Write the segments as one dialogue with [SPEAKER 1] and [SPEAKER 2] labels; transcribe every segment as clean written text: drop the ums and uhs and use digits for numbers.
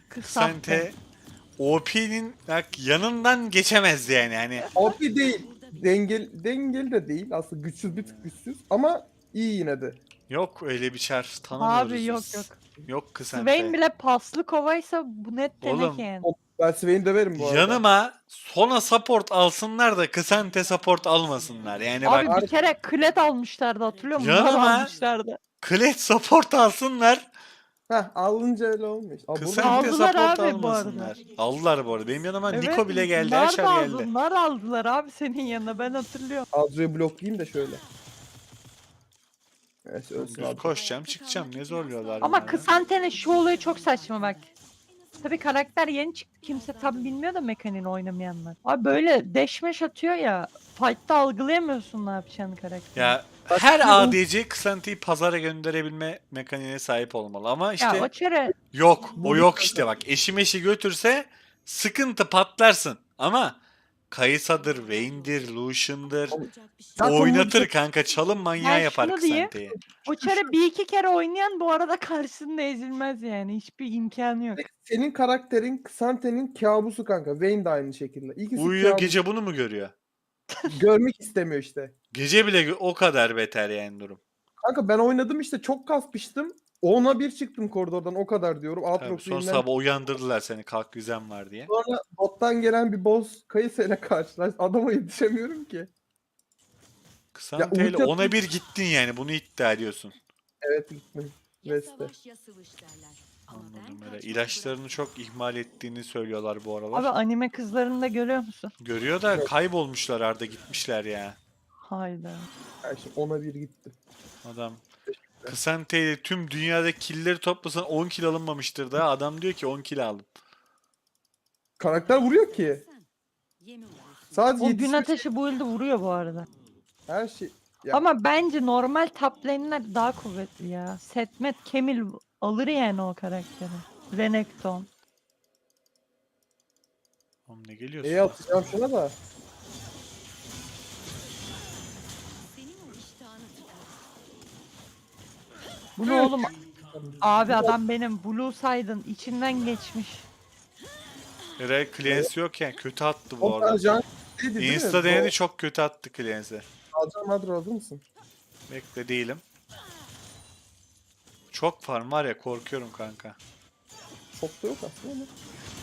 [SPEAKER 1] Kısante OP'nin bak yanından geçemez yani. Hani
[SPEAKER 2] OP değil. Dengeli de değil. Aslında güçsüz, bir tık güçsüz. Ama iyi yine de.
[SPEAKER 1] yok öyle bir çar
[SPEAKER 3] Abi
[SPEAKER 1] tanımıyoruz
[SPEAKER 3] yok
[SPEAKER 1] biz.
[SPEAKER 3] yok.
[SPEAKER 1] Yok
[SPEAKER 3] Swain
[SPEAKER 1] Kısante.
[SPEAKER 3] bile paslı kovaysa bu net teneke
[SPEAKER 1] Oğlum
[SPEAKER 3] yani.
[SPEAKER 2] Ben Swain döverim bu arada.
[SPEAKER 1] yanıma Sona support alsınlar da Kısante support almasınlar. Yani bak
[SPEAKER 3] Abi bir kere klet almışlardı, hatırlıyor musun? Nar
[SPEAKER 1] yanıma
[SPEAKER 3] almışlardı.
[SPEAKER 1] Kled support alsınlar.
[SPEAKER 2] Heh, alınca öyle olmuş. Aa, burada
[SPEAKER 1] Kısante
[SPEAKER 3] Aldılar
[SPEAKER 1] support
[SPEAKER 3] abi bu arada.
[SPEAKER 1] almasınlar. Aldılar bu arada. Benim yanıma
[SPEAKER 3] Evet,
[SPEAKER 1] Niko bile geldi. Her
[SPEAKER 3] nar
[SPEAKER 1] çar
[SPEAKER 3] da
[SPEAKER 1] geldi.
[SPEAKER 3] aldı. Nar aldılar abi senin yanına, ben hatırlıyorum.
[SPEAKER 2] Adro'yu bloklayayım da şöyle. Evet, ölsün
[SPEAKER 1] Düz
[SPEAKER 2] Adro.
[SPEAKER 1] koşacağım çıkacağım. Ne zorluyorlar
[SPEAKER 3] Ama
[SPEAKER 1] bana?
[SPEAKER 3] Kısante'nin şu olayı çok saçma bak. Tabii karakter yeni çıktı, kimse tam bilmiyor da mekaniğini oynamayanlar. Abi böyle deşmeş atıyor ya, fight'ta algılayamıyorsun ne yapacağını karakteri.
[SPEAKER 1] Ya
[SPEAKER 2] Bak,
[SPEAKER 1] her
[SPEAKER 2] bir
[SPEAKER 1] ADC Kısante'yi pazara gönderebilme mekaniğine sahip olmalı. Ama
[SPEAKER 3] Ya o
[SPEAKER 1] işte
[SPEAKER 3] çare
[SPEAKER 1] yok. O
[SPEAKER 2] Bu
[SPEAKER 1] yok işte bak. Eşi meşi götürse sıkıntı patlarsın. Ama Kayısa'dır, Vayne'dir, Lucian'dır.
[SPEAKER 2] Zaten
[SPEAKER 1] Oynatır
[SPEAKER 2] bu-
[SPEAKER 1] kanka. Çalım manyağı
[SPEAKER 3] Ben
[SPEAKER 1] yapar
[SPEAKER 3] şunu diyeyim.
[SPEAKER 1] Kısante'yi.
[SPEAKER 3] o çare bir iki kere oynayan bu arada karşısında ezilmez yani. Hiçbir imkanı yok.
[SPEAKER 2] senin karakterin Xante'nin kabusu kanka. Vayne de aynı şekilde. İkisi
[SPEAKER 1] Uyuyor
[SPEAKER 2] kabus.
[SPEAKER 1] gece bunu mu görüyor?
[SPEAKER 2] Görmek istemiyor işte.
[SPEAKER 1] Gece bile o kadar beter yani durum.
[SPEAKER 2] Kanka ben oynadım işte, çok kasmıştım. 10'a 1 çıktım koridordan, o kadar diyorum.
[SPEAKER 1] Tabii sonra
[SPEAKER 2] Aatrox'u
[SPEAKER 1] sabah uyandırdılar seni kalk vizem var diye.
[SPEAKER 2] Sonra bottan gelen bir boss Kayısı ile karşılaş. Adama yetişemiyorum ki.
[SPEAKER 1] Kısante ile
[SPEAKER 2] ulti
[SPEAKER 1] 10'a 1 gittin yani bunu iddia ediyorsun.
[SPEAKER 2] Evet, gittim.
[SPEAKER 4] Ya
[SPEAKER 2] Veste.
[SPEAKER 4] savaş ya sıvış derler. Ama ben
[SPEAKER 1] Anladım öyle.
[SPEAKER 4] kaçmak
[SPEAKER 1] İlaçlarını çok ihmal ettiğini söylüyorlar bu aralar.
[SPEAKER 3] Abi anime kızlarını da görüyor musun?
[SPEAKER 1] Görüyor da
[SPEAKER 2] Yok.
[SPEAKER 1] kaybolmuşlar Arda gitmişler ya.
[SPEAKER 3] Hayda.
[SPEAKER 2] Yani şimdi 10'a 1 gittim.
[SPEAKER 1] Adam Kısante ile tüm dünyada killleri toplasan 10 kill alınmamıştır da adam diyor ki 10 kill aldım.
[SPEAKER 2] Karakter vuruyor ki.
[SPEAKER 4] sen yemi olursun.
[SPEAKER 2] Sadece
[SPEAKER 3] O gün
[SPEAKER 2] yetişmiş
[SPEAKER 3] ateşi bu ilde vuruyor bu arada.
[SPEAKER 2] her şey. Ya,
[SPEAKER 3] Ama bence normal top lane'ler daha kuvvetli ya. Setmet Kemil alır yani o karakteri. Renekton.
[SPEAKER 1] Oğlum ne geliyorsun?
[SPEAKER 2] neye atacağım şuna da.
[SPEAKER 4] Senin o iştahını tıkar.
[SPEAKER 3] Bu ne oğlum? Abi adam benim Blue Side'ın içinden geçmiş.
[SPEAKER 1] Ray Cleanse yokken kötü attı bu
[SPEAKER 2] 10
[SPEAKER 1] arada.
[SPEAKER 2] tane can değildi değil mi?
[SPEAKER 1] Insta denedi çok kötü attı Cleanse'e.
[SPEAKER 2] Alacağım Adro, hazır mısın?
[SPEAKER 1] Bekle değilim. Çok farm var ya korkuyorum kanka.
[SPEAKER 2] Çok da yok aslında ama.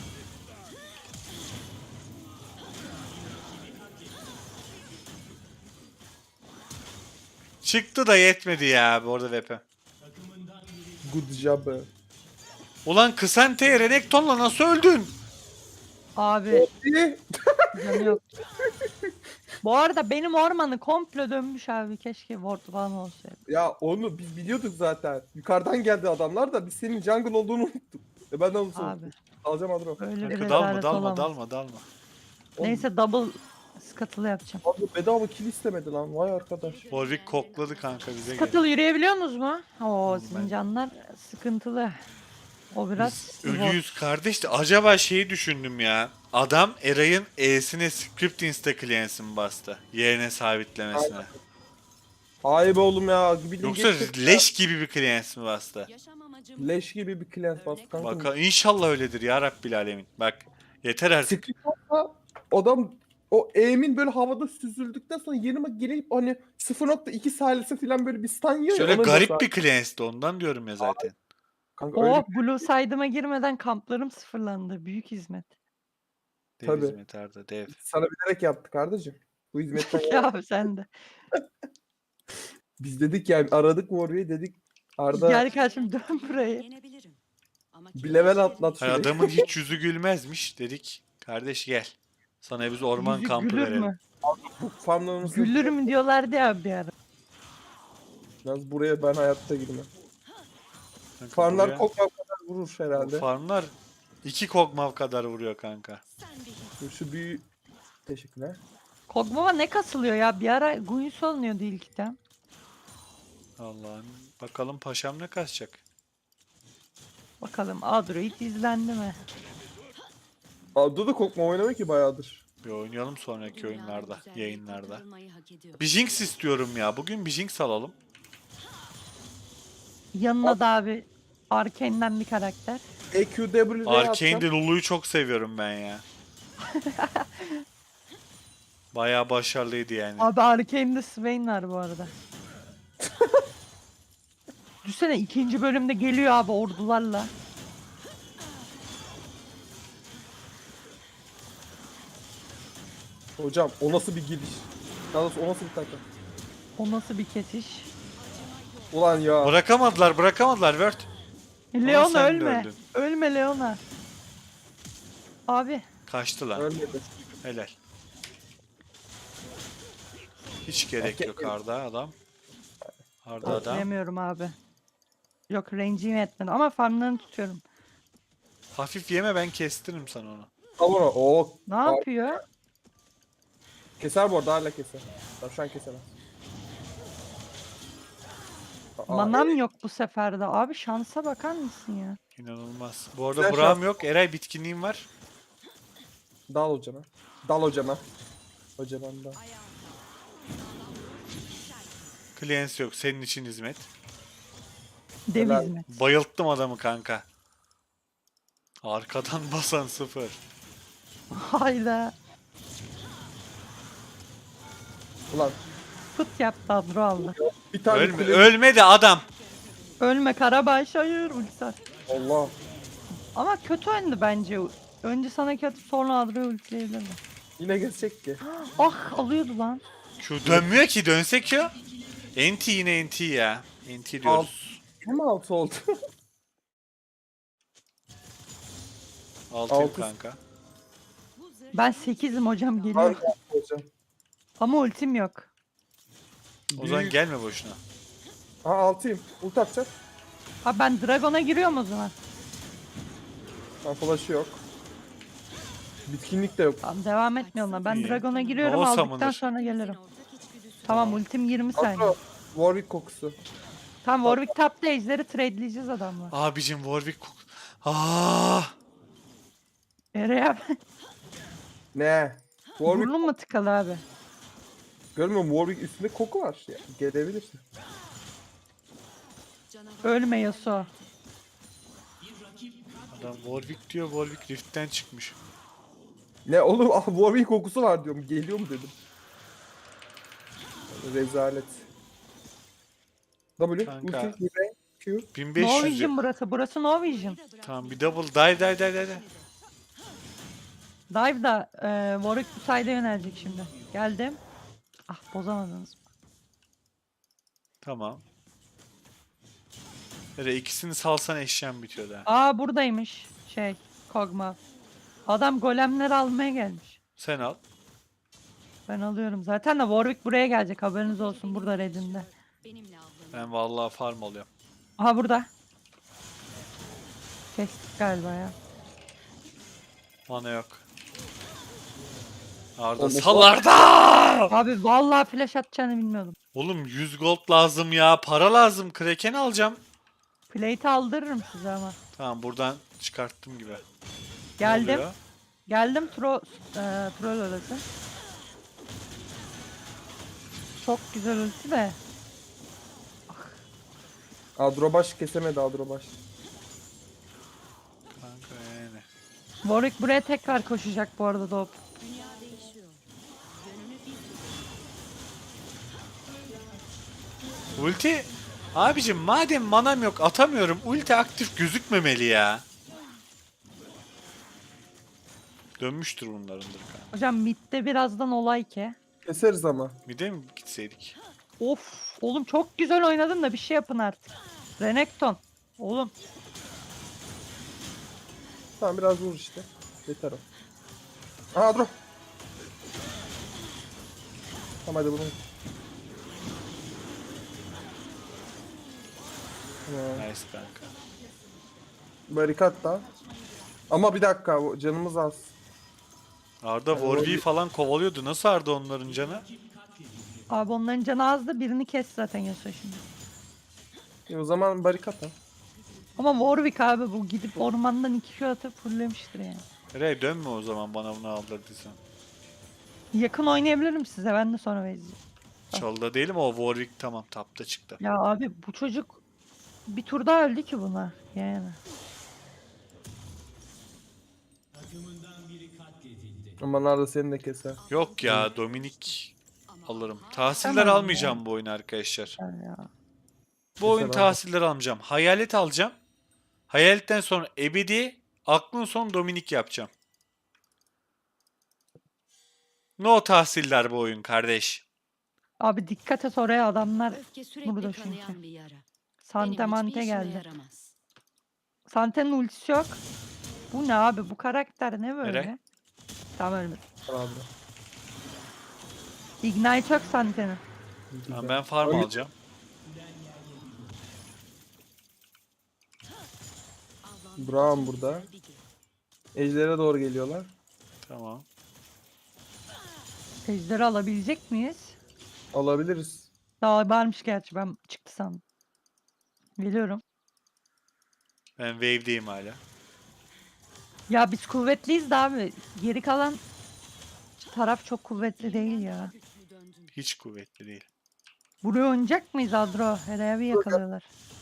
[SPEAKER 1] Çıktı da yetmedi ya bu arada VP.
[SPEAKER 2] Good job.
[SPEAKER 1] Ulan Kısante'ye Renekton'la nasıl öldün?
[SPEAKER 3] Abi
[SPEAKER 2] İyi.
[SPEAKER 3] canı yok. Bu arada benim ormanı komple dönmüş abi. Keşke ward falan olsaydı.
[SPEAKER 2] Ya onu biz biliyorduk zaten. Yukarıdan geldi adamlar da biz senin jungle olduğunu unuttuk. Ben de onu
[SPEAKER 3] Abi
[SPEAKER 2] unuttum. Alacağım Adro.
[SPEAKER 3] böyle bir
[SPEAKER 1] Kanka dalma
[SPEAKER 3] rezalet
[SPEAKER 1] dalma
[SPEAKER 3] olamaz.
[SPEAKER 1] dalma dalma.
[SPEAKER 3] Neyse double scuttle'ı yapacağım.
[SPEAKER 2] Adro bedava kill istemedi lan. Vay arkadaş.
[SPEAKER 1] Warwick kokladı kanka bize gel.
[SPEAKER 3] Scuttle yürüyebiliyorsunuz mu? Oo
[SPEAKER 1] Ben-
[SPEAKER 3] zincanlar sıkıntılı. O biraz
[SPEAKER 1] Biz ölüyüz kardeş de acaba şeyi düşündüm ya. Adam Eray'ın E'sine script insta cleanse'ini bastı. Yerine sabitlemesine.
[SPEAKER 2] Ay be oğlum ya. Bildiğin
[SPEAKER 1] Yoksa
[SPEAKER 2] geçtik ya.
[SPEAKER 1] leş gibi bir cleanse mi bastı?
[SPEAKER 4] Yaşam amacım
[SPEAKER 2] Leş gibi bir cleanse bastı kanka.
[SPEAKER 1] Bak inşallah öyledir ya Rabbil Alemin. Bak yeter artık.
[SPEAKER 2] Script olsa adam o aim'in böyle havada süzüldükten sonra yanıma gelip hani 0.2 salise falan böyle bir stun yiyor ya.
[SPEAKER 1] Şöyle
[SPEAKER 2] ona
[SPEAKER 1] garip
[SPEAKER 2] mesela-
[SPEAKER 1] bir cleanse'di ondan diyorum ya zaten.
[SPEAKER 2] Kanka öyle
[SPEAKER 3] Oh, Blue Side'ıma girmeden kamplarım sıfırlandı. Büyük hizmet.
[SPEAKER 1] Dev
[SPEAKER 2] Tabii.
[SPEAKER 1] hizmet Arda dev.
[SPEAKER 2] sana bilerek yaptık kardeşim. Bu hizmetten
[SPEAKER 3] Ya sen de.
[SPEAKER 2] biz dedik ya, aradık Warwick'i dedik. Arda
[SPEAKER 3] Gel kardeşim dön burayı.
[SPEAKER 4] yenebilirim. Ama
[SPEAKER 2] bir level atlat
[SPEAKER 1] Hay
[SPEAKER 2] şurayı.
[SPEAKER 1] adamın hiç yüzü gülmezmiş dedik. Kardeş gel. Sana biz orman
[SPEAKER 3] Yüzü
[SPEAKER 1] kampı
[SPEAKER 3] gülür
[SPEAKER 1] verelim.
[SPEAKER 3] mü?
[SPEAKER 2] Farmlarımızı
[SPEAKER 3] Gülür mü diyorlardı ya bir ara.
[SPEAKER 2] Yalnız buraya ben hayatta girmem.
[SPEAKER 1] Kanka
[SPEAKER 2] Farmlar
[SPEAKER 1] buraya-
[SPEAKER 2] kokma kadar vurur
[SPEAKER 1] bu
[SPEAKER 2] herhalde.
[SPEAKER 1] farmlar 2 kogmav kadar vuruyor kanka.
[SPEAKER 4] sen bir hiç.
[SPEAKER 2] Dur şu büyü... Teşekkürler.
[SPEAKER 3] Kogmama ne kasılıyor ya? Bir ara Guinness olunuyordu ilkten.
[SPEAKER 1] Allah'ım. Bakalım paşam ne kasacak.
[SPEAKER 3] Bakalım Adroid izlendi mi?
[SPEAKER 2] Adda da kokma oynamıyor ki bayağıdır.
[SPEAKER 1] Bir oynayalım sonraki oyunlarda,
[SPEAKER 4] Güzellik
[SPEAKER 1] yayınlarda.
[SPEAKER 4] kazanmayı hak ediyor.
[SPEAKER 1] Bir Jinx istiyorum ya. Bugün bir Jinx alalım.
[SPEAKER 3] Yanına da abi Arkane'den bir karakter.
[SPEAKER 2] EQW'ye
[SPEAKER 1] Arkane'de
[SPEAKER 2] atacağım.
[SPEAKER 1] Lulu'yu çok seviyorum ben ya. Bayağı başarılıydı yani.
[SPEAKER 3] Abi Arkane'de Swain var bu arada. Düşsene ikinci bölümde geliyor abi ordularla.
[SPEAKER 2] Hocam o nasıl bir giriş? Daha doğrusu o nasıl bir takım?
[SPEAKER 3] O nasıl bir kesiş?
[SPEAKER 2] Ulan ya.
[SPEAKER 1] Bırakamadılar Word.
[SPEAKER 3] Leon
[SPEAKER 1] sen de
[SPEAKER 3] ölme.
[SPEAKER 1] öldün.
[SPEAKER 3] Ölme Leona. Abi
[SPEAKER 1] Kaçtı lan.
[SPEAKER 2] Ölmedi.
[SPEAKER 1] Helal. Hiç gerek yok Arda adam. Arda adam.
[SPEAKER 3] bilemiyorum abi. Yok range'im etmedi ama farmlarını tutuyorum.
[SPEAKER 1] Hafif yeme, ben kestiririm sana onu.
[SPEAKER 2] Al onu. Oo.
[SPEAKER 3] Ne yapıyor?
[SPEAKER 2] Keser bu arada, hala keser. Tamam, şu an kesemez.
[SPEAKER 3] Manam yok bu sefer de. Abi şansa bakar mısın ya?
[SPEAKER 1] İnanılmaz. Bu arada
[SPEAKER 2] Güzel
[SPEAKER 1] Braum
[SPEAKER 2] şans.
[SPEAKER 1] yok. Eray bitkinliğim var.
[SPEAKER 2] Dal hocana. Dal hocana. Hocana da.
[SPEAKER 1] Clients yok. Senin için hizmet.
[SPEAKER 3] Dev
[SPEAKER 2] Helal.
[SPEAKER 3] hizmet.
[SPEAKER 1] Bayılttım adamı kanka. Arkadan basan 0.
[SPEAKER 3] Hayda.
[SPEAKER 2] Ulan
[SPEAKER 3] Fıt yaptı Adro aldı.
[SPEAKER 2] bir tane
[SPEAKER 1] Ölmedi adam.
[SPEAKER 3] Ölme Karabaş hayır ulti.
[SPEAKER 2] Allah.
[SPEAKER 3] Ama kötü oyundu bence. Önce sana kötü sonra Adro'yu ultileyebilirdi.
[SPEAKER 2] Yine geçecek ki.
[SPEAKER 3] Ah alıyordu lan.
[SPEAKER 1] Şu dönmüyor ki, dönsek ya. NT yine NT ya. NT diyoruz.
[SPEAKER 2] Hem 6 oldu.
[SPEAKER 1] 6'yım
[SPEAKER 2] altı.
[SPEAKER 1] kanka.
[SPEAKER 3] Ben 8'im hocam geliyor.
[SPEAKER 2] Harika hocam.
[SPEAKER 3] Ama ultim yok.
[SPEAKER 1] O zaman
[SPEAKER 2] Büyük.
[SPEAKER 1] gelme boşuna.
[SPEAKER 2] Ha 6'yım. Ult atacak.
[SPEAKER 3] Ha ben Dragon'a giriyorum o zaman.
[SPEAKER 2] Ha flash'ı yok. Bitkinlik de yok.
[SPEAKER 3] Tamam devam etmiyorum lan. Ben
[SPEAKER 1] İyi.
[SPEAKER 3] Dragon'a giriyorum
[SPEAKER 1] No
[SPEAKER 3] aldıktan
[SPEAKER 1] summoner.
[SPEAKER 3] sonra gelirim. Tamam ultim 20 saniye.
[SPEAKER 2] Atro. Warwick kokusu.
[SPEAKER 3] Tamam Warwick tapta ejderi tradeleyeceğiz adamla.
[SPEAKER 1] Abicim Warwick
[SPEAKER 3] Nereye abi?
[SPEAKER 2] Ne? Warwick.
[SPEAKER 3] Burnun mu tıkalı abi?
[SPEAKER 2] Görmüyor musun? Warwick üstünde koku var. Ya, gelebilirsin.
[SPEAKER 3] Ölme Yasuo.
[SPEAKER 1] Adam Warwick diyor, Warwick Rift'ten çıkmış.
[SPEAKER 2] Ne oğlum? Ah, Warwick kokusu var diyorum. Geliyor mu dedim. Rezalet. W,
[SPEAKER 1] Kanka.
[SPEAKER 2] ulti, V, Q.
[SPEAKER 3] No
[SPEAKER 1] 1500
[SPEAKER 3] Vision
[SPEAKER 1] yok.
[SPEAKER 3] burası. Burası No Vision.
[SPEAKER 1] Tamam, bir double dive.
[SPEAKER 3] Dive da Warwick bu side'e yönelecek şimdi. Geldim. Ah bozamadınız.
[SPEAKER 1] Tamam. İkisini salsan eşyan bitiyor da.
[SPEAKER 3] Aa buradaymış. Kog'Maw. Adam golemleri almaya gelmiş.
[SPEAKER 1] Sen al.
[SPEAKER 3] Ben alıyorum. Zaten de Warwick buraya gelecek. Haberiniz olsun. Burada redinde.
[SPEAKER 4] Benimle avlanın.
[SPEAKER 1] Ben vallahi farm alıyorum.
[SPEAKER 3] Aha burada. Kestik galiba ya.
[SPEAKER 1] Mana yok. Arda
[SPEAKER 2] Oğlum,
[SPEAKER 1] sal Arda!
[SPEAKER 3] Abi vallahi flash atacağını bilmiyordum.
[SPEAKER 1] Oğlum 100 gold lazım ya. Para lazım. Kraken alacağım.
[SPEAKER 3] Plate aldırırım size ama.
[SPEAKER 1] Tamam, buradan çıkarttım gibi. Ne
[SPEAKER 3] Geldim.
[SPEAKER 1] oluyor?
[SPEAKER 3] Geldim troll orası. Çok güzel ulti de.
[SPEAKER 2] Adrobaş kesemedi Adrobaş.
[SPEAKER 1] Kanka yani.
[SPEAKER 3] Warwick buraya tekrar koşacak bu arada Doğup.
[SPEAKER 4] Dünya değişiyor. Yönünü bir
[SPEAKER 1] Ulti. Abicim madem manam yok, atamıyorum. Ulti aktif gözükmemeli ya. Dönmüştür bunlarındır kanka.
[SPEAKER 3] Hocam midde birazdan olay ki.
[SPEAKER 2] Keseriz ama.
[SPEAKER 1] Bir de mi gitseydik?
[SPEAKER 3] Of oğlum çok güzel oynadın da bir şey yapın artık. Renekton. Oğlum
[SPEAKER 2] Tamam biraz vur işte. Yeter o. Aha Adro. Tamam hadi bunu. Tamam.
[SPEAKER 1] Nice kanka.
[SPEAKER 2] Barikat da. Ama bir dakika canımız az.
[SPEAKER 1] Arda Warwick'i falan kovalıyordu. Nasıl Arda onların canı?
[SPEAKER 3] abi onların canı azdı birini kes zaten Yasuo şimdi.
[SPEAKER 2] O zaman barikat ha.
[SPEAKER 3] Ama Warwick abi bu gidip ormandan 2 Q atıp fulllemiştir yani.
[SPEAKER 1] Rey dönme o zaman bana bunu aldırdıysan.
[SPEAKER 3] Yakın oynayabilirim size ben de sonra vereceğim.
[SPEAKER 1] Çalıda değilim, o Warwick tamam tapta çıktı.
[SPEAKER 3] Ya abi bu çocuk bir tur daha öldü ki buna yani.
[SPEAKER 2] Ama Narda seni de keser.
[SPEAKER 1] Yok ya, Dominik alırım. Tahsiller
[SPEAKER 3] Tamam
[SPEAKER 1] almayacağım bu oyunu arkadaşlar.
[SPEAKER 3] Ya.
[SPEAKER 1] Bu oyun
[SPEAKER 2] Keser abi.
[SPEAKER 1] tahsiller almayacağım. Hayalet alacağım. Hayaletten sonra ebedi, aklın son Dominik yapacağım. No tahsiller bu oyun kardeş.
[SPEAKER 3] Abi dikkat et oraya, adamlar
[SPEAKER 4] Öfke sürekli
[SPEAKER 3] burada çünkü.
[SPEAKER 4] kanayan bir yara.
[SPEAKER 3] Sante
[SPEAKER 4] Benim
[SPEAKER 3] mante
[SPEAKER 4] hiçbir işime
[SPEAKER 3] geldi.
[SPEAKER 4] yaramaz.
[SPEAKER 3] Sante'nin ultisi yok. Bu ne abi? Bu karakter ne böyle?
[SPEAKER 1] Eray?
[SPEAKER 3] Tamam, ölmedi.
[SPEAKER 2] Abi.
[SPEAKER 3] Ignite yok Sante'nin.
[SPEAKER 1] Tamam, ben farm
[SPEAKER 2] Öyle-
[SPEAKER 1] alacağım.
[SPEAKER 4] Avlanmak
[SPEAKER 2] Braum
[SPEAKER 4] için
[SPEAKER 2] burada.
[SPEAKER 4] güzel bir gün.
[SPEAKER 2] Ejder'e doğru geliyorlar.
[SPEAKER 1] Tamam.
[SPEAKER 3] Ejderi alabilecek miyiz?
[SPEAKER 2] Alabiliriz.
[SPEAKER 3] Daha varmış gerçi, ben çıktı sandım. Geliyorum.
[SPEAKER 1] Ben wave'deyim hala.
[SPEAKER 3] Ya biz kuvvetliyiz de abi. Geri kalan taraf çok kuvvetli değil ya.
[SPEAKER 4] Güçlü döndün.
[SPEAKER 1] Hiç kuvvetli değil.
[SPEAKER 3] Buraya oynayacak mıyız Adro? Herhalde bir yakalıyorlar.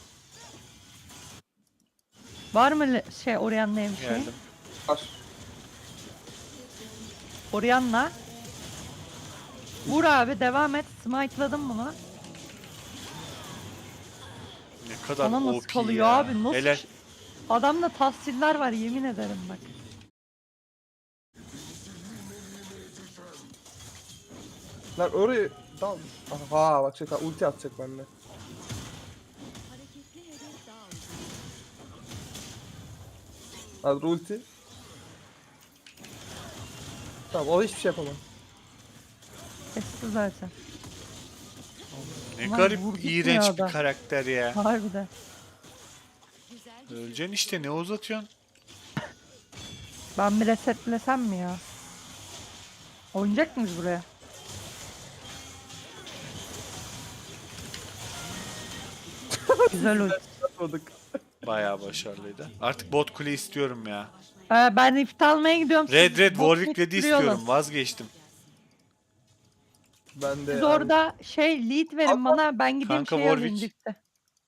[SPEAKER 3] Var mı şey Orianna'ya bir şey?
[SPEAKER 1] Geldim.
[SPEAKER 2] Var.
[SPEAKER 3] Orianna. Vur abi, devam et. Smite'ladım bunu.
[SPEAKER 1] Ne kadar
[SPEAKER 3] Bana nasıl
[SPEAKER 1] OP
[SPEAKER 3] kalıyor
[SPEAKER 1] ya.
[SPEAKER 3] abi? Nasıl?
[SPEAKER 1] Helal.
[SPEAKER 3] Adamda tahsiller var, yemin ederim bak.
[SPEAKER 2] Lan oraya dal. Aha bak şey ulti atacak bende.
[SPEAKER 4] Hareketli hedef daha uzun.
[SPEAKER 2] Adro ulti. Tamam o hiçbir şey yapamam.
[SPEAKER 3] Kesti zaten.
[SPEAKER 1] Ne
[SPEAKER 3] Ulan
[SPEAKER 1] garip
[SPEAKER 3] vurduk mu
[SPEAKER 1] iğrenç
[SPEAKER 3] ya
[SPEAKER 1] bir
[SPEAKER 3] da?
[SPEAKER 1] karakter ya.
[SPEAKER 3] Harbiden.
[SPEAKER 4] Güzel bir
[SPEAKER 1] Öleceksin işte, ne uzatıyorsun?
[SPEAKER 3] Ben bir resetlesem mi ya? Oynayacak mıyız buraya? Güzel ulti.
[SPEAKER 2] Atmadık.
[SPEAKER 1] Bayağı başarılıydı. Artık bot kule istiyorum ya.
[SPEAKER 3] Ben rift almaya gidiyorum.
[SPEAKER 1] Red
[SPEAKER 3] siz
[SPEAKER 1] Red
[SPEAKER 3] bot
[SPEAKER 1] Warwick Red'i
[SPEAKER 3] bitiriyorlar.
[SPEAKER 1] istiyorum. Vazgeçtim.
[SPEAKER 2] Ben de
[SPEAKER 3] Siz orada şey lead verin bana, ben gideyim
[SPEAKER 1] Kanka,
[SPEAKER 3] şey alayım
[SPEAKER 1] Warwick.
[SPEAKER 3] dipte.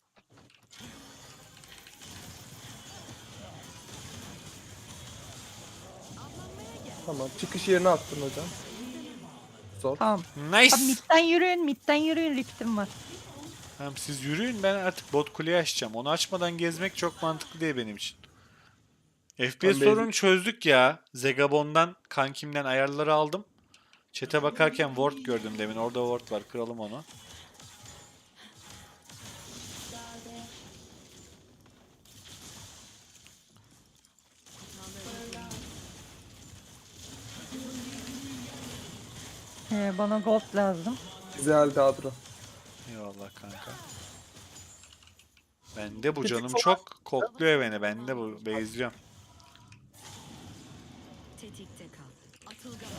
[SPEAKER 2] Tamam çıkış yerine attın hocam. Zor.
[SPEAKER 3] Tamam.
[SPEAKER 1] Nice.
[SPEAKER 3] Abi midden yürüyün, riftim var.
[SPEAKER 1] Tamam, siz yürüyün, ben artık bot kuleyi açacağım. Onu açmadan gezmek çok mantıklı değil benim için. FPS
[SPEAKER 2] Ben
[SPEAKER 1] sorunu çözdük ya. Zegabon'dan, kankimden ayarları aldım. Chat'e bakarken ward gördüm demin. Orada ward var. Kıralım onu.
[SPEAKER 3] Bana gold lazım.
[SPEAKER 2] Güzeldi Adro.
[SPEAKER 1] Eyvallah kanka. Bende bu
[SPEAKER 2] Bir tık
[SPEAKER 1] canım
[SPEAKER 2] sola-
[SPEAKER 1] çok kokluyor beni. Bende bu. Bezliyorum.
[SPEAKER 4] tetikte kal. Atılgan.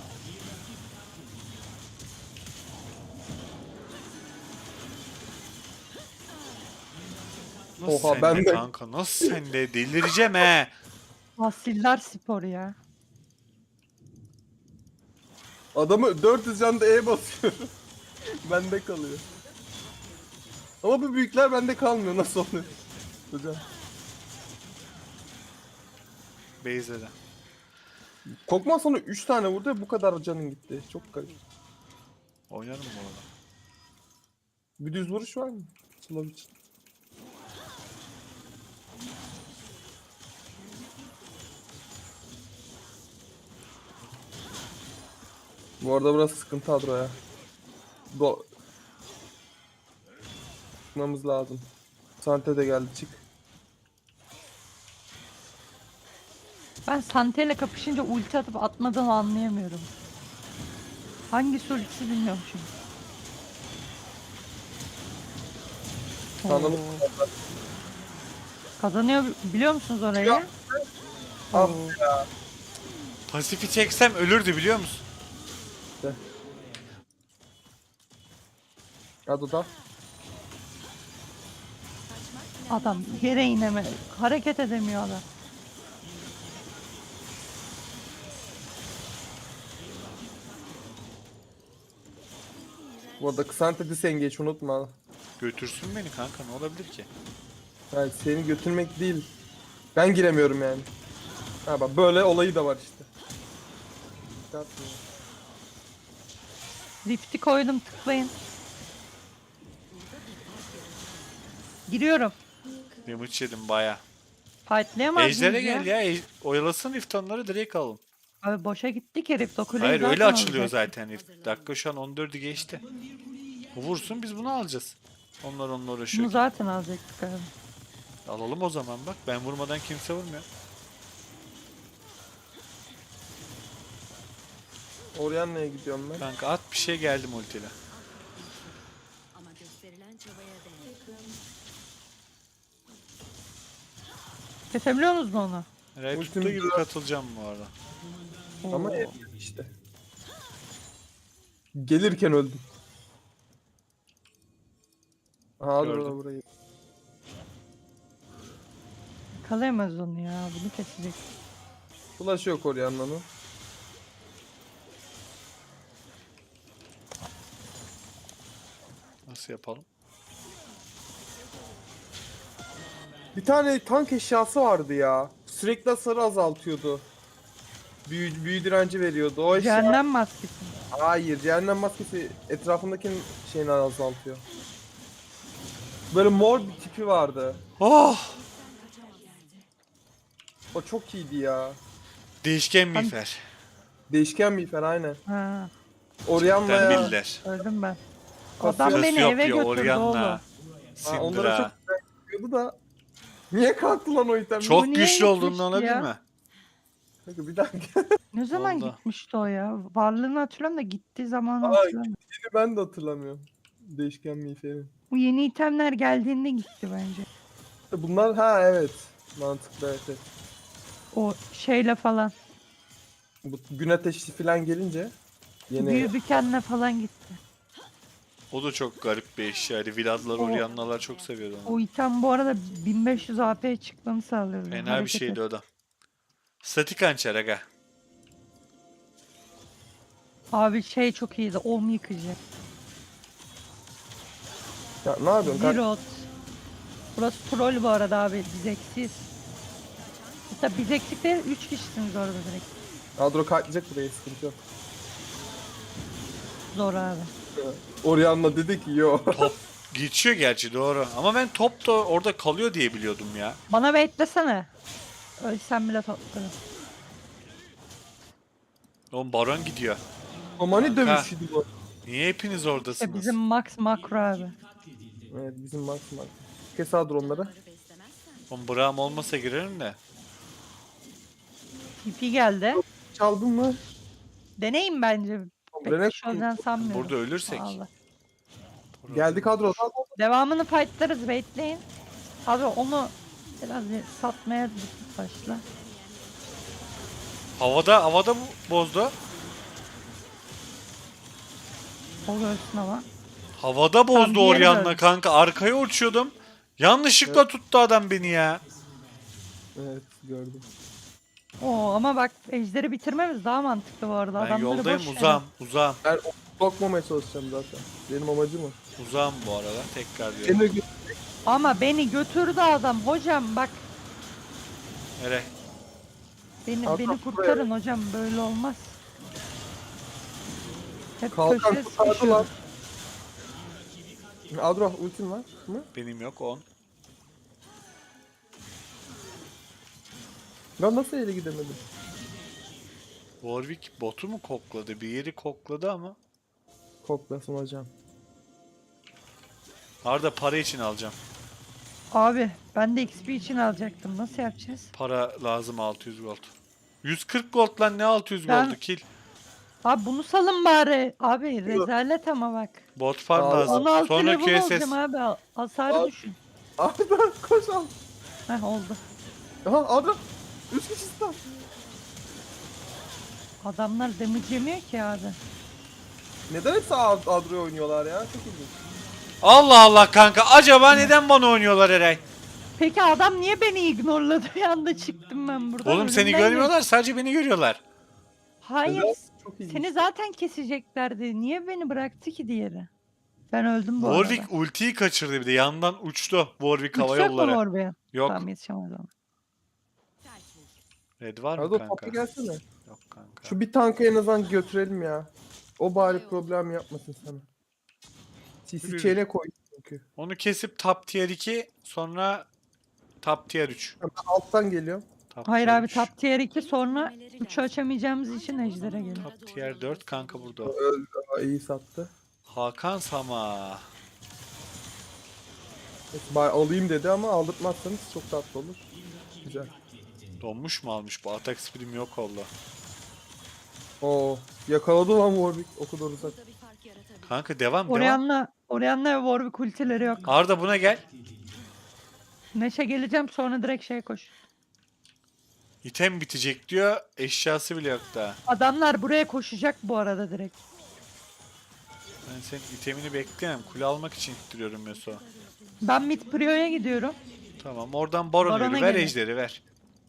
[SPEAKER 1] Nasıl
[SPEAKER 2] Oha,
[SPEAKER 1] sende
[SPEAKER 2] ben de-
[SPEAKER 1] kanka? Nasıl sende? Delireceğim he.
[SPEAKER 3] Asiller sporu ya.
[SPEAKER 2] Adamı 400 canda E basıyor. Bende kalıyor. Ama bu büyükler bende kalmıyor. Nasıl oluyor? Hocam.
[SPEAKER 1] Beyzede.
[SPEAKER 2] Kokman sana 3 tane vurdu ve bu kadar canın gitti. Çok garip.
[SPEAKER 1] Oynarım bu arada.
[SPEAKER 2] Bir düz vuruş var mı? Slav için. Bu arada burası sıkıntı Adro ya. Çıkmamız lazım. Sante de geldi, çık.
[SPEAKER 3] Ben Sante ile kapışınca ulti atıp atmadığımı anlayamıyorum. Hangisi ultisi bilmiyorum şimdi.
[SPEAKER 2] Tanrım.
[SPEAKER 3] Oo. Kazanıyor biliyor musunuz orayı?
[SPEAKER 2] Ya. Ah
[SPEAKER 3] Oo.
[SPEAKER 1] Pasifi çeksem ölürdü biliyor musun?
[SPEAKER 2] Hadi da.
[SPEAKER 3] Adam yere ineme, hareket edemiyor adam.
[SPEAKER 2] Bu arada Sante disengage unutma.
[SPEAKER 1] Götürsün beni kanka, ne olabilir ki?
[SPEAKER 2] Yani seni götürmek değil. Ben giremiyorum yani. Ha bak böyle olayı da var işte. Risk atmıyor.
[SPEAKER 3] Rift'i koydum, tıklayın. Giriyorum.
[SPEAKER 1] Damage yedim baya.
[SPEAKER 3] Fightlayamaz
[SPEAKER 1] Ejder'e
[SPEAKER 3] mıyız
[SPEAKER 1] gel
[SPEAKER 3] ya?
[SPEAKER 1] ya. Oyalasın iftanları direkt alın.
[SPEAKER 3] Abi boşa gittik herif. O kuleyi
[SPEAKER 1] Hayır öyle
[SPEAKER 3] zaten
[SPEAKER 1] açılıyor
[SPEAKER 3] alacak.
[SPEAKER 1] zaten. Dakika şu an 14'ü geçti. O vursun biz bunu alacağız. Onlar onunla
[SPEAKER 3] Bunu
[SPEAKER 1] uğraşıyor.
[SPEAKER 3] zaten alacaktık abi.
[SPEAKER 1] Alalım o zaman bak. Ben vurmadan kimse vurmuyor.
[SPEAKER 2] Orianna'ya gidiyorum ben.
[SPEAKER 1] Kanka at bir şey geldim ultiyle.
[SPEAKER 4] Ama gösterilen çabaya değer.
[SPEAKER 3] Kesebiliyor musunuz onu?
[SPEAKER 1] Ray
[SPEAKER 2] Ultim
[SPEAKER 1] tuttuğu gibi
[SPEAKER 2] diyor.
[SPEAKER 1] katılacağım bu arada.
[SPEAKER 2] Ama
[SPEAKER 3] Oo.
[SPEAKER 2] evde işte. Gelirken öldüm. Aha dur
[SPEAKER 1] Gördüm.
[SPEAKER 2] burayı.
[SPEAKER 3] Yakalayamaz onu ya. Bunu kesecek.
[SPEAKER 2] Flash yok Orianna'nın.
[SPEAKER 1] Nasıl yapalım?
[SPEAKER 2] Bir tane tank eşyası vardı ya. Sürekli hasarı azaltıyordu. Büyü direnci veriyordu. O eşya...
[SPEAKER 3] Cehennem maskesi.
[SPEAKER 2] Hayır, cehennem maskesi etrafındakinin şeyini azaltıyor. Böyle mor bir tipi vardı.
[SPEAKER 1] Oh!
[SPEAKER 2] O çok iyiydi ya.
[SPEAKER 1] Değişken miğfer.
[SPEAKER 2] Değişken miğfer aynen.
[SPEAKER 3] Ha,
[SPEAKER 1] Ben
[SPEAKER 2] Orianna'ya...
[SPEAKER 1] biller.
[SPEAKER 3] öldüm ben.
[SPEAKER 2] Kasıyor.
[SPEAKER 3] Adam beni eve
[SPEAKER 1] Cassiopeia,
[SPEAKER 3] götürdü oğlum.
[SPEAKER 1] Orianna,
[SPEAKER 2] Ha, onlara çok
[SPEAKER 1] Syndra.
[SPEAKER 2] güzel gidiyordu da... Niye kalktı lan o item?
[SPEAKER 1] Çok
[SPEAKER 3] niye
[SPEAKER 1] güçlü olduğundan
[SPEAKER 3] gitmişti
[SPEAKER 1] olabilir
[SPEAKER 3] ya?
[SPEAKER 1] mi?
[SPEAKER 2] Kanka bir dakika.
[SPEAKER 3] Ne zaman
[SPEAKER 1] Oldu.
[SPEAKER 3] gitmişti o ya? Varlığını hatırlıyorum da gittiği zamanı
[SPEAKER 2] Aa,
[SPEAKER 3] hatırlamıyorum.
[SPEAKER 2] Ben de hatırlamıyorum. Değişken miğferin.
[SPEAKER 3] Bu yeni itemler geldiğinde gitti bence.
[SPEAKER 2] Bunlar ha evet. Mantıklı evet, evet.
[SPEAKER 3] O şeyle falan.
[SPEAKER 2] Bu gün ateşi falan gelince yeni
[SPEAKER 3] Büyü bükenle falan gitti.
[SPEAKER 1] O da çok garip bir eşya. Yani Vladlar,
[SPEAKER 3] O-
[SPEAKER 1] Orianna'lar çok seviyordu onu.
[SPEAKER 3] O item bu arada 1500 AP'ye çıkmanı sağlıyor.
[SPEAKER 1] Fena bir
[SPEAKER 3] Hareket
[SPEAKER 1] şeydi
[SPEAKER 3] et.
[SPEAKER 1] o da. Statik hançer aga.
[SPEAKER 3] Abi şey çok iyiydi. Om yıkıcı.
[SPEAKER 2] ya, ne yapıyorsun kanka?
[SPEAKER 3] Zirot. Burası troll bu arada abi. Biz eksiyiz. Hatta biz eksik değil. 3 kişisiniz orada direkt.
[SPEAKER 2] Adro kalkacak buraya sıkıntı yok.
[SPEAKER 3] Zor abi.
[SPEAKER 2] Orianna dedi ki yo.
[SPEAKER 1] Top geçiyor gerçi doğru. Ama ben top da orada kalıyor diye biliyordum ya.
[SPEAKER 3] Bana beklesene. Ölsem bile toplarım.
[SPEAKER 1] Oğlum Baron gidiyor.
[SPEAKER 2] Omani
[SPEAKER 1] Kanka.
[SPEAKER 2] dövüşüydü bu.
[SPEAKER 1] Niye hepiniz oradasınız?
[SPEAKER 3] Bizim Max makro abi.
[SPEAKER 2] Evet bizim Max. Kes Adro onları.
[SPEAKER 4] Onları beslemezsen
[SPEAKER 1] Oğlum Braum olmasa girerim de.
[SPEAKER 3] TP geldi.
[SPEAKER 2] Çaldın mı?
[SPEAKER 3] Deneyin bence. Pek
[SPEAKER 2] Rene-
[SPEAKER 3] bir şey olacağını sanmıyorum.
[SPEAKER 1] Burada ölürsek.
[SPEAKER 3] Vallahi.
[SPEAKER 2] Geldi kadro.
[SPEAKER 3] Devamını fightlarız, bekleyin. Abi onu biraz bir satmaya başla.
[SPEAKER 1] Havada bozdu.
[SPEAKER 3] O görsün ama.
[SPEAKER 1] Havada bozdu
[SPEAKER 3] diğeri
[SPEAKER 1] Orianna
[SPEAKER 3] öldü.
[SPEAKER 1] kanka. Arkaya uçuyordum. Yanlışlıkla tuttu adam beni ya.
[SPEAKER 2] Evet gördüm.
[SPEAKER 3] Oo ama bak ejderi bitirmemiz daha mantıklı bu arada.
[SPEAKER 1] Ben
[SPEAKER 3] Adamları
[SPEAKER 1] yoldayım
[SPEAKER 3] boş ver.
[SPEAKER 1] uzağım.
[SPEAKER 2] Ben sokmamaya çalışacağım zaten. Benim amacım o.
[SPEAKER 1] Uzağım bu arada tekrar diyorum.
[SPEAKER 2] Seni
[SPEAKER 3] Ama beni götürdü adam hocam bak.
[SPEAKER 1] Nereye?
[SPEAKER 3] Beni
[SPEAKER 2] Adam
[SPEAKER 3] kurtarın hocam böyle olmaz. Hep
[SPEAKER 2] Kalkan
[SPEAKER 3] köşeye
[SPEAKER 2] kurtardı
[SPEAKER 3] sıkışıyoruz.
[SPEAKER 2] lan. Adro ultin var mı?
[SPEAKER 1] Benim yok 10.
[SPEAKER 2] Ben nasıl ele gidemedim?
[SPEAKER 1] Warwick botu mu kokladı? Bir yeri kokladı ama.
[SPEAKER 2] Koklasın hocam.
[SPEAKER 1] Arda para için alacağım.
[SPEAKER 3] Abi ben de XP için alacaktım. Nasıl yapacağız?
[SPEAKER 1] Para lazım 600 gold. 140 gold lan ne 600
[SPEAKER 3] Ben-
[SPEAKER 1] goldu kill.
[SPEAKER 3] Abi bunu salın bari. Abi rezalet ama bak.
[SPEAKER 1] Bot farm
[SPEAKER 2] Aa,
[SPEAKER 1] lazım.
[SPEAKER 3] 16
[SPEAKER 1] Sonra
[SPEAKER 3] level
[SPEAKER 1] QSS.
[SPEAKER 3] olacağım abi. Hasarı
[SPEAKER 2] Abi.
[SPEAKER 3] düşün.
[SPEAKER 2] Arda koş al.
[SPEAKER 3] Heh oldu.
[SPEAKER 2] Aha Adro. 3 kişi stun.
[SPEAKER 3] Adamlar damage yemiyor ki abi.
[SPEAKER 2] Neden hepsi Adro'ya oynuyorlar ya? Çok ilginç.
[SPEAKER 1] Allah Allah kanka. Acaba neden bana oynuyorlar Eray?
[SPEAKER 3] Peki adam niye beni ignorladı? Bir anda çıktım ben buradan.
[SPEAKER 1] Oğlum seni
[SPEAKER 3] Ölümden
[SPEAKER 1] görmüyorlar. Sadece beni görüyorlar.
[SPEAKER 3] geçtim. Hayır.
[SPEAKER 2] Neden? Çok ilginç.
[SPEAKER 3] Seni zaten keseceklerdi. Niye beni bıraktı ki diğeri? Ben öldüm bu
[SPEAKER 1] Warwick
[SPEAKER 3] arada.
[SPEAKER 1] ultiyi kaçırdı bir de. Yandan uçtu Warwick hava
[SPEAKER 3] Uçacak mı
[SPEAKER 1] yolları.
[SPEAKER 3] oraya?
[SPEAKER 1] Yok.
[SPEAKER 3] Tamam yetişemez ama.
[SPEAKER 4] sert vur.
[SPEAKER 1] Red var mı
[SPEAKER 2] Hadi o
[SPEAKER 1] kanka?
[SPEAKER 2] topa gelsene.
[SPEAKER 1] Yok kanka.
[SPEAKER 2] Şu bir tankı en azından götürelim ya. O bari problem yapmasın sana. CC
[SPEAKER 1] Yürü.
[SPEAKER 2] chain'e koy çünkü.
[SPEAKER 1] Onu kesip top tier 2 sonra top tier 3.
[SPEAKER 2] Ben alttan geliyorum.
[SPEAKER 1] Top
[SPEAKER 3] Hayır
[SPEAKER 1] tier
[SPEAKER 3] abi
[SPEAKER 1] 3.
[SPEAKER 3] top tier 2 sonra 3'ü açamayacağımız için ejder'e gelin.
[SPEAKER 1] Top tier 4 kanka burada. o.
[SPEAKER 2] Öldü. Aa, iyi sattı.
[SPEAKER 1] Hakan Sama.
[SPEAKER 2] Evet, alayım dedi ama aldırtmazsanız çok tatlı olur. Güzel.
[SPEAKER 1] Donmuş mu almış bu? Atak speed'im yok oldu.
[SPEAKER 2] Oo, yakaladı lan Warwick o kadar uzak.
[SPEAKER 4] Burada bir fark yaratabilir.
[SPEAKER 1] Kanka devam.
[SPEAKER 3] Orianna ve Warwick ultileri yok.
[SPEAKER 1] Arda buna gel.
[SPEAKER 3] Neşe geleceğim sonra direkt şey koş.
[SPEAKER 1] İtem bitecek diyor. Eşyası bile yok daha.
[SPEAKER 3] Adamlar buraya koşacak bu arada direkt.
[SPEAKER 1] Ben senin itemini bekleyemem. Kule almak için ittiriyorum Yasuo.
[SPEAKER 3] Ben mid Prio'ya gidiyorum.
[SPEAKER 1] Tamam oradan Baron
[SPEAKER 3] Baron'a
[SPEAKER 1] yürü. Ver
[SPEAKER 3] gelin.
[SPEAKER 1] ejderi ver.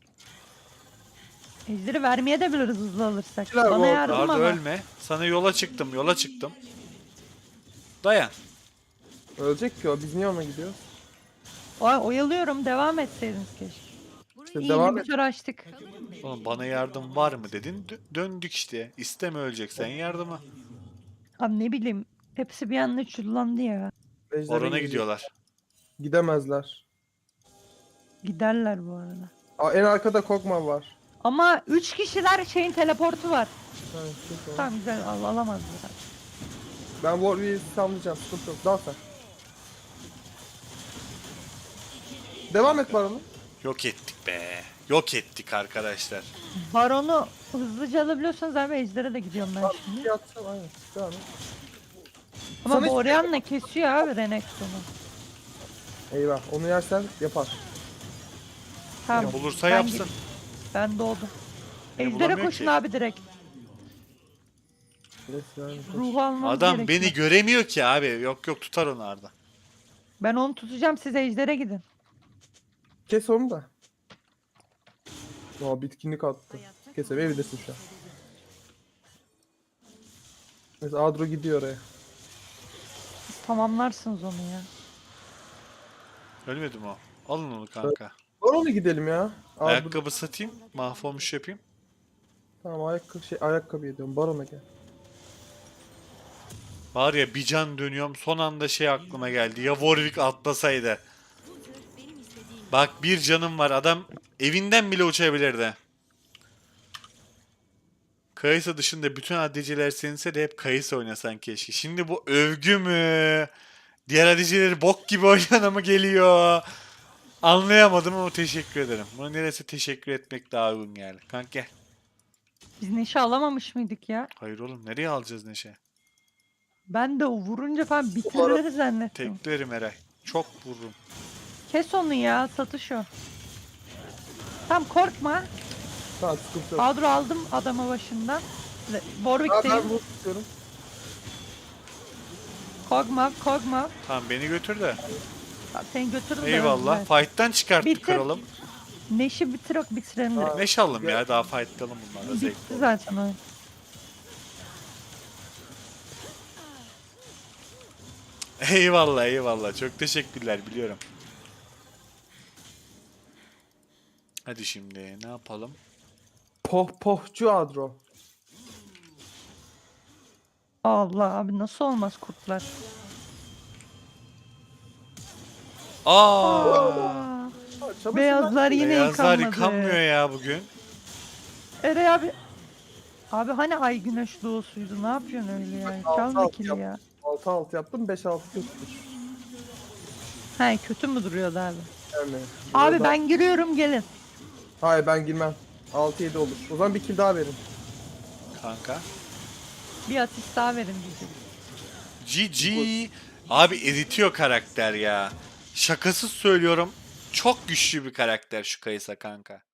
[SPEAKER 3] Ejderi vermeye de biliriz hızlı alırsak.
[SPEAKER 2] Güzel bu
[SPEAKER 3] Bana
[SPEAKER 2] arada.
[SPEAKER 3] yardım
[SPEAKER 1] Arda
[SPEAKER 3] ama.
[SPEAKER 1] ölme. Sana yola çıktım. Dayan.
[SPEAKER 2] Ölecek ki o. Biz niye ona gidiyoruz?
[SPEAKER 3] Oyalıyorum devam etseydiniz keşke.
[SPEAKER 2] İşte
[SPEAKER 3] İyi
[SPEAKER 2] devam et.
[SPEAKER 3] bir açtık.
[SPEAKER 1] Oğlum bana yardım var mı dedin. Döndük işte. İsteme öleceksen yardıma.
[SPEAKER 3] Abi ne bileyim hepsi bir anda çullandı ya.
[SPEAKER 2] Ejder'e
[SPEAKER 1] Baron'a
[SPEAKER 2] gidecek.
[SPEAKER 1] gidiyorlar.
[SPEAKER 2] Gidemezler.
[SPEAKER 3] Giderler bu arada.
[SPEAKER 2] Aa, en arkada Kog'Maw var.
[SPEAKER 3] Ama 3 kişiler şeyin teleportu var.
[SPEAKER 2] Ha, çok iyi.
[SPEAKER 3] Tamam güzel alamazlar.
[SPEAKER 2] Ben Warwick'i sallayacağım. Sıkıntı yok. Dal sen. Devam et Baron'u.
[SPEAKER 1] Yok ettik be. Yok ettik arkadaşlar.
[SPEAKER 3] Baron'u hızlıca alabiliyorsanız abi Ejder'e de gidiyorum ben şimdi.
[SPEAKER 2] Yatsam aynen. Devam et.
[SPEAKER 3] Ama
[SPEAKER 2] Sana
[SPEAKER 3] bu
[SPEAKER 2] hiç-
[SPEAKER 3] Orianna kesiyor abi Renekton'u.
[SPEAKER 2] Eyvah. Onu yersen yapar.
[SPEAKER 3] Tamam.
[SPEAKER 1] Bulursa
[SPEAKER 3] ben
[SPEAKER 1] yapsın.
[SPEAKER 3] Ben doğdum.
[SPEAKER 1] Beni
[SPEAKER 3] Ejder'e
[SPEAKER 1] bulamıyor
[SPEAKER 3] koşun
[SPEAKER 1] ki.
[SPEAKER 3] abi direkt.
[SPEAKER 2] Neyse, yani.
[SPEAKER 3] Ruhu almamız
[SPEAKER 1] Adam
[SPEAKER 3] gerekiyor.
[SPEAKER 1] beni göremiyor ki abi. Yok tutar onu Arda.
[SPEAKER 3] Ben onu tutacağım siz Ejder'e gidin.
[SPEAKER 2] Kes onu da. Aa, bitkinlik attı.
[SPEAKER 4] Hayatta
[SPEAKER 2] Kesemeyebilirsin şu an. Mesela Adro gidiyor oraya.
[SPEAKER 3] Siz tamamlarsınız onu ya.
[SPEAKER 1] Ölmedi mi o? Alın onu kanka.
[SPEAKER 2] Baron'a gidelim ya. Adro.
[SPEAKER 1] Ayakkabı satayım. Mahvolmuş yapayım.
[SPEAKER 2] Tamam ayakkabı ediyorum. Baron'a gel.
[SPEAKER 1] Var ya bir can dönüyorum. Son anda şey aklıma geldi. Ya Warwick atlasaydı.
[SPEAKER 4] benim istediğim
[SPEAKER 1] Bak bir canım var. Adam evinden bile uçabilirdi. Kayısı dışında bütün ADC'ler seninse de hep Kayısı oynasan keşke. Şimdi bu övgü mü? Diğer ADC'leri bok gibi oynana mı geliyor? Anlayamadım ama teşekkür ederim. Buna neresi teşekkür etmek daha uygun geldi. Kanka gel.
[SPEAKER 3] Biz Neşe alamamış mıydık ya?
[SPEAKER 1] Hayır oğlum nereye alacağız Neşe?
[SPEAKER 3] Ben de o vurunca falan bitirir zannettim.
[SPEAKER 1] Teklerim Eray. Çok vururum.
[SPEAKER 3] Kes onu ya satış o. Tamam korkma.
[SPEAKER 2] Tamam sıkıntı yok.
[SPEAKER 3] Kadro aldım adamı başından.
[SPEAKER 2] Aa, ben
[SPEAKER 3] Warwick'teyim.
[SPEAKER 2] bunu tutuyorum.
[SPEAKER 3] Kog'Maw.
[SPEAKER 1] Tamam beni götür de.
[SPEAKER 3] Seni götürürüm de
[SPEAKER 1] Eyvallah.
[SPEAKER 3] öldüler.
[SPEAKER 1] Fight'tan çıkarttık
[SPEAKER 3] Bitir.
[SPEAKER 1] kralım.
[SPEAKER 3] Neşi bitirelim direkt.
[SPEAKER 1] Neşe alalım ya. Daha fightlayalım bunlarla.
[SPEAKER 3] Bitti
[SPEAKER 1] Zevkli olur.
[SPEAKER 3] zaten oyun.
[SPEAKER 1] Eyvallah. Çok teşekkürler biliyorum. Hadi şimdi ne yapalım?
[SPEAKER 2] Pohpohcu Adro.
[SPEAKER 3] Allah abi nasıl olmaz kurtlar.
[SPEAKER 1] Aa!
[SPEAKER 3] Aa,
[SPEAKER 2] Çabasın
[SPEAKER 3] beyazlar yine
[SPEAKER 1] Beyazlar
[SPEAKER 3] yıkanmadı.
[SPEAKER 1] yıkanmıyor ya bugün.
[SPEAKER 3] Eray abi. Abi hani ay güneş doğusuydu ne yapıyorsun öyle ya? Çalma
[SPEAKER 2] Alt
[SPEAKER 3] kili
[SPEAKER 2] yap.
[SPEAKER 3] ya.
[SPEAKER 2] 6-6 yaptım 5-6 kötüdür.
[SPEAKER 3] He kötü mü duruyordu abi?
[SPEAKER 2] Yani.
[SPEAKER 3] Abi
[SPEAKER 2] burada-
[SPEAKER 3] ben giriyorum gelin.
[SPEAKER 2] Hayır ben girmem. 6-7 olur. O zaman bir kill daha verin.
[SPEAKER 1] Kanka.
[SPEAKER 3] Bir asist daha verin diyeceğim.
[SPEAKER 1] GG. Abi eritiyor karakter ya. Şakasız söylüyorum. Çok güçlü bir karakter şu Kayısa kanka.